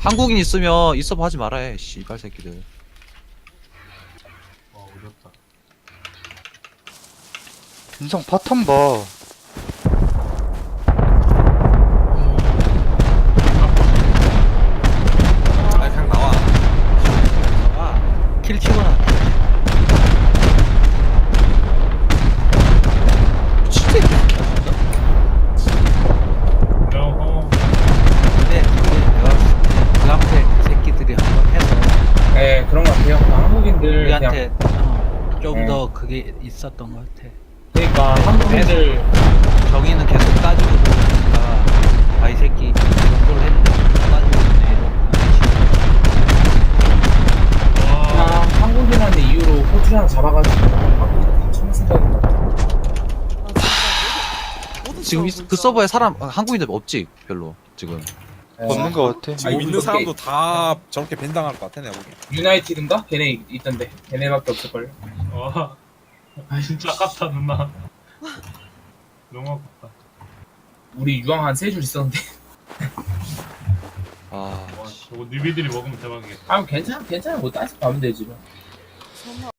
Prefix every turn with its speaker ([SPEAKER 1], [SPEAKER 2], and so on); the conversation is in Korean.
[SPEAKER 1] 한국인 있으면 있어봐 하지 말아 해 씨발 새끼들.
[SPEAKER 2] 어렵다.
[SPEAKER 3] 인성 파탄 봐.
[SPEAKER 4] 아 그냥 나와.
[SPEAKER 1] 킬 치거나. 미친 새끼. 근데 내가 그 앞에 그 새끼들이 한번 해서
[SPEAKER 5] 네, 그런 것 같아요. 한국인들 그냥
[SPEAKER 1] 우리한테 좀
[SPEAKER 5] 네.
[SPEAKER 1] 더 그게 있었던 것 같아.
[SPEAKER 5] 그러니까 한국인들
[SPEAKER 1] 정의는 계속 따지고 그러니까 아이 새끼 이 정도로 했는데 따지고 있네
[SPEAKER 5] 그냥 한국이라는 이유로 호주 하나 잡아가지고 한국인들 참 생각인 것 같아요.
[SPEAKER 1] 지금 그 서버에 사람 한국인들 없지 별로 지금.
[SPEAKER 3] 없는 거 같아.
[SPEAKER 4] 지금 있는 사람도 다 저렇게 밴당할 것 같아 내가 보기엔.
[SPEAKER 5] 유나이티드인가? 걔네 있던데. 걔네밖에 없을걸요.
[SPEAKER 2] 아 진짜 아깝다 누나. 너무 아깝다.
[SPEAKER 5] 우리 유황 한 3줄 있었는데.
[SPEAKER 1] 아
[SPEAKER 2] 와 저거 니비들이 먹으면 대박이겠다.
[SPEAKER 5] 아, 괜찮아. 뭐 따서 가면 되지 뭐.